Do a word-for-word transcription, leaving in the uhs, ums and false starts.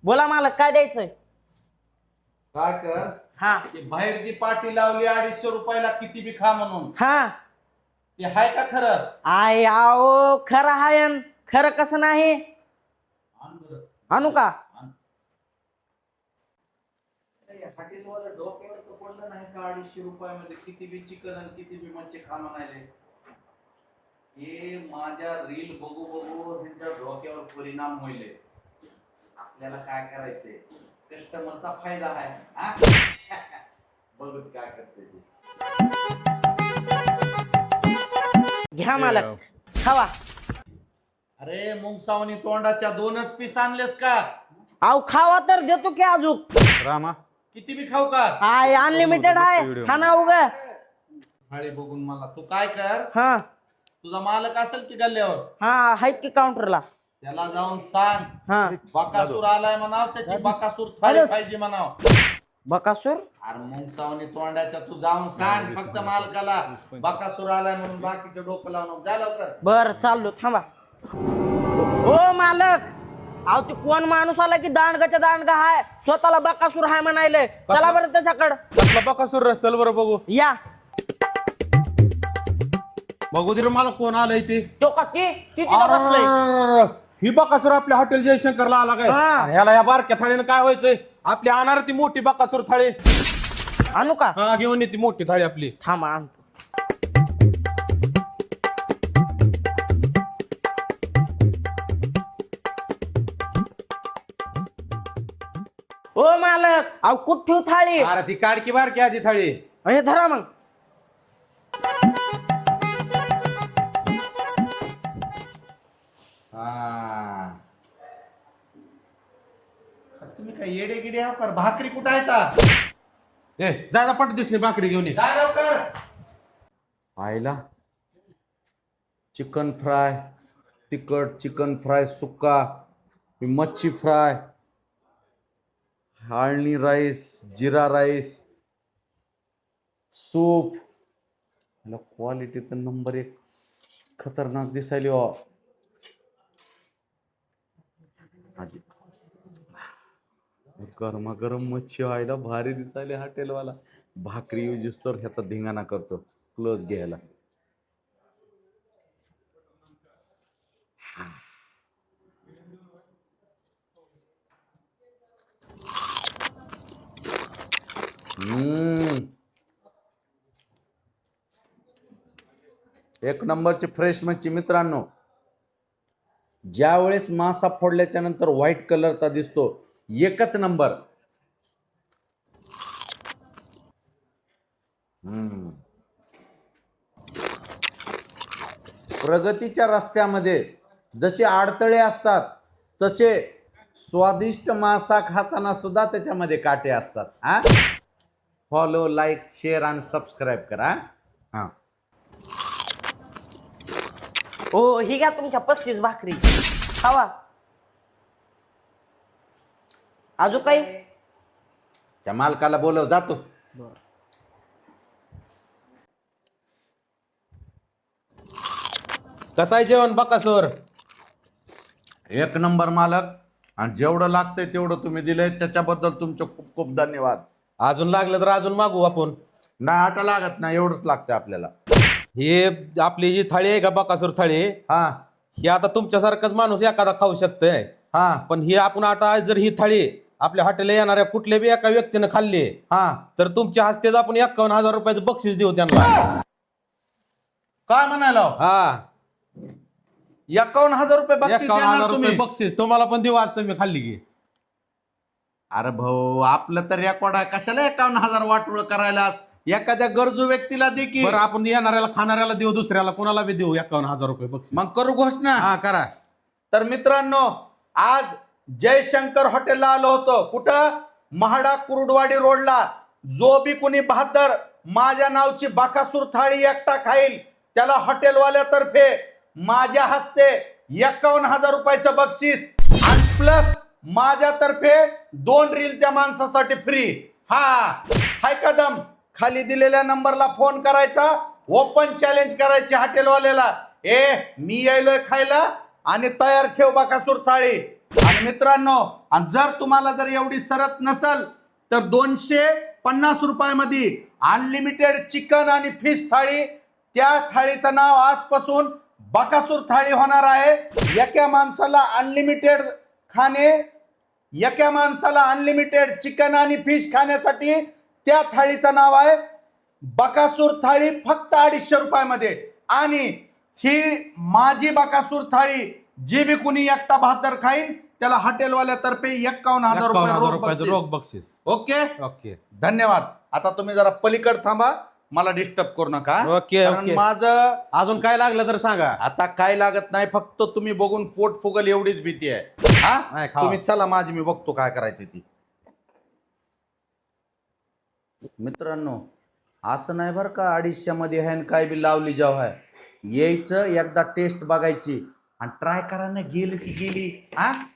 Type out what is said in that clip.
बोला मालक काय द्यायचंय? काय कर हा ती बाहेर जी पाटी लावली अडीचशे रुपयाला किती बी खा म्हणून हा ते हाय का खरं? आय आओ खरं हाय अन खरं कसं नाही? आण बरं. आणू का? आण. अरे, हॉटेलवाला डोक्यावर तर पडलं नाही का अडीचशे रुपयामध्ये किती बी चिकन आणि किती बी मच्छी खा म्हणाले. हे माझ्या रील बघू बघू त्यांच्या डोक्यावर परिणाम होईल. आपल्याला काय करायचंय? कस्टमरचा फायदा आहे हा? बघत काय करते ते. घ्या मालक खावा. अरे मुंगसावनी तोंडाच्या दोनच पीस आणलेस का? आव खावा तर देतो की अजून. रामा किती बी खाऊ का? हाय अनलिमिटेड आहे खाना उगा. थाळी बघून मला तू काय कर, हा तुझा मालक असेल की गल्ल्यावर हा आहेत की काउंटरला. त्याला जाऊन सांग हा बकासूर आलाय म्हणाव, त्याची बकासूर थाळी पाहिजे म्हणाव. बकासूर अरे मुंगसावनी तोंडाच्या तू जाऊन सांग फक्त मालकाला बकासूर आलाय म्हणून बाकीचं डोकं लावून जा लवकर. बर चाललो थांबा. ओ मालक अहो ते कोण माणूस आला की दांडगाच्या दांडगा हाय स्वतःला बकासूर हाय म्हणायले. चला बरं त्याच्याकडं. कसला बकासूर चल बरं बघू या बघू दे रे मला कोण आलंय ते. तो का ती ती तिथं बसलंय. अरररररर. ही बकासूर आपल्या हॉटेल जयशंकरला आला काय? हा. अरे ह्याला या बारक्या थाळीनं काय व्हायचंय? आपली आणणार ती मोठी बकासूर थाळी. आणू का? हा घेऊन ये ती मोठी थाळी आपली. थांबा आणतो. ओ मालक अहो कुठ ठेवू थाळी? अरे ती काडकी बारकी आधी थाळी. हे धरा मग. हा. तुम्ही काय येडे गिडे आहो का? भाकरी कुठं आहे का? ए जायला पट दिसली भाकरी घेऊन ये. जा लवकर. आईला चिकन फ्राय तिखट, चिकन फ्राय सुक्का, मच्छी फ्राय, आळणी राईस, जिरा राईस, सूप. क्वालिटी तर नंबर एक खतरनाक दिसायली हो. आधी गरमागरम मच्छी व्हायला भारी दिसायली हॉटेलवाला. भाकरी यूज तर ह्याचा धिंगाणा करतो क्लोज घ्यायला. हम्म एक नंबरची फ्रेश मच्छी मित्रांनो. ज्या वेळेस मासा फोडल्याच्या नंतर व्हाईट कलरचा दिसतो एकच नंबर. हम्म प्रगतीच्या रस्त्यामध्ये जसे अडथळे असतात तसे स्वादिष्ट मासा खाताना सुद्धा त्याच्यामध्ये काटे असतात. हा फॉलो, लाईक, शेअर आणि सबस्क्राईब करा. हा ओ ही घ्या तुमच्या पस्तीस भाकरी खावा. अजून काही? त्या मालकाला बोलव जातो. बर कसं आहे जेवण बकासूर? एक नंबर मालक. आणि जेवढं लागतंय तेवढं तुम्ही दिलंय त्याच्याबद्दल तुमचे खूप खूप धन्यवाद. अजून लागलं तर अजून मागू आपण. नाही आटा लागत नाही, एवढंच लागतंय आपल्याला. हे आपली जी थाळी आहे का बकासूर थाळी, हा ही आता तुमच्यासारखाच माणूस एखादा खाऊ शकतोय. हा पण ही आपण आता जर ही थाळी आपल्या हॉटेलला येणाऱ्या कुठल्या बी एका व्यक्तीनं खाल्ली हा तर तुमच्या हस्तेच आपण एक्कावन्न हजार रुपयाचं बक्षीस देऊ त्यांना. काय म्हणालो? हा एकावन्न हजार रुपये बक्षीस एक्कावन्न देणार हजार रुपये तुम्ही? बक्षीस तुम्हाला पण देऊ आज तुम्ही खाल्ली की. अरे भाऊ आपलं तर रेकॉर्ड आहे, कशाला एकावन्न हजार वाटोळ करायला? एखाद्या गरजू व्यक्तीला दे की. बरं आपण येणाऱ्याला खाणाऱ्याला देऊ, दुसऱ्याला कोणाला बी देऊ एक्कावन्न हजार रुपये बक्षीस. मग करू घोषणा. हा करा. तर मित्रांनो आज जयशंकर हॉटेलला आलो होतो. कुठं? महाडा कुरुडवाडी रोडला. जो बी कुणी बहादर माझ्या नावची बकासूर थाळी एकटा खाईल त्याला हॉटेलवाल्यातर्फे माझ्या हस्ते एक्कावन्न हजार रुपयाचं बक्षीस आणि प्लस माझ्यातर्फे दोन रील त्या माणसासाठी फ्री. हा हाय कदम. खाली दिलेल्या नंबरला फोन करायचा, ओपन चॅलेंज करायची हॉटेलवाल्याला. ए मी यायलोय खायला आणि तयार ठेव बकासूर थाळी. आणि मित्रांनो, आणि जर तुम्हाला जर एवढी सरत नसल तर दोनशे पन्नास रुपयामध्ये अनलिमिटेड चिकन आणि फिश थाळी, त्या थाळीचं नाव आजपासून बकासूर थाळी होणार आहे. एका माणसाला अनलिमिटेड खाणे, एका माणसाला अनलिमिटेड चिकन आणि फिश खाण्यासाठी त्या थाळीचं नाव आहे बकासूर थाळी, फक्त अडीचशे रुपयामध्ये. आणि ही माझी बकासूर थाळी जी बी कुणी एकटा बहात्तर खाईन त्याला हॉटेलवाल्यातर्फे एक्कावन्न हजार रुपये रोख बक्षीस. रोख बक्षीस. ओके ओके धन्यवाद. आता तुम्ही जरा पलीकड थांबा, मला डिस्टर्ब करू नका. ओके, कारण ओके. माझं अजून काय लागलं तर सांगा. आता काय लागत नाही, फक्त तुम्ही बघून पोट फुगल एवढीच भीती आहे. हा नाही, खावा. तुम्ही चला, माझी मी बघतो काय करायचं ती. मित्रांनो, असं नाही बरं का अडीचशे मध्ये हॅन काय बी लावली जाव आहे. यायचं एकदा टेस्ट बघायची आणि ट्राय करायला गेली ती गेली. हा